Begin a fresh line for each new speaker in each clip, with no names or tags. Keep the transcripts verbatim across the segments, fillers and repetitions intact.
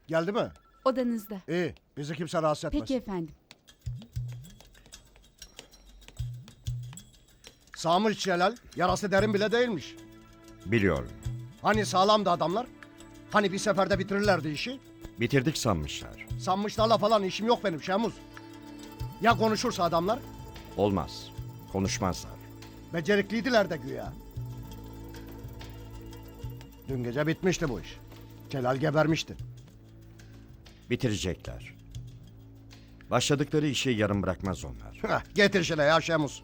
Geldi mi?
Odanızda.
İyi. Bizi kimse rahatsız etmez.
Peki efendim.
Sağmış Celal. Yarası derin bile değilmiş.
Biliyorum.
Hani sağlamdı adamlar? Hani bir seferde bitirirlerdi işi?
Bitirdik sanmışlar.
Sanmışlarla falan işim yok benim Şemuz. Ya konuşursa adamlar?
Olmaz. Konuşmazlar.
Becerikliydiler de güya. Dün gece bitmişti bu iş. Celal gebermişti.
Bitirecekler. Başladıkları işi yarım bırakmaz onlar.
Heh, getir şöyle ya Şemuz.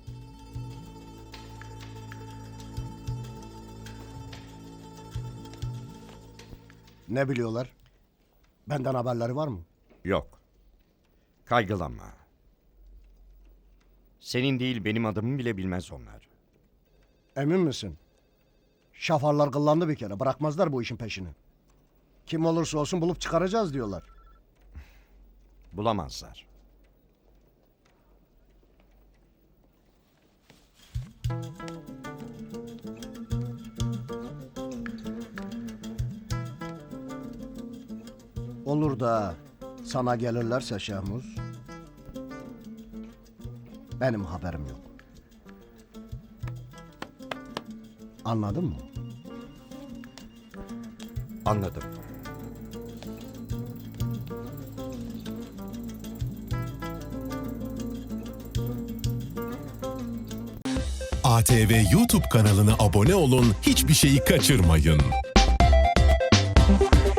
Ne biliyorlar? Benden haberleri var mı?
Yok. Kaygılanma. Senin değil benim adımı bile bilmez onlar.
Emin misin? Şafarlar kıllandı bir kere. Bırakmazlar bu işin peşini. Kim olursa olsun bulup çıkaracağız diyorlar.
Bulamazlar.
Olur da sana gelirlerse Şehmuz, benim haberim yok. Anladın mı?
Anladım.
A T V YouTube kanalına abone olun, hiçbir şeyi kaçırmayın.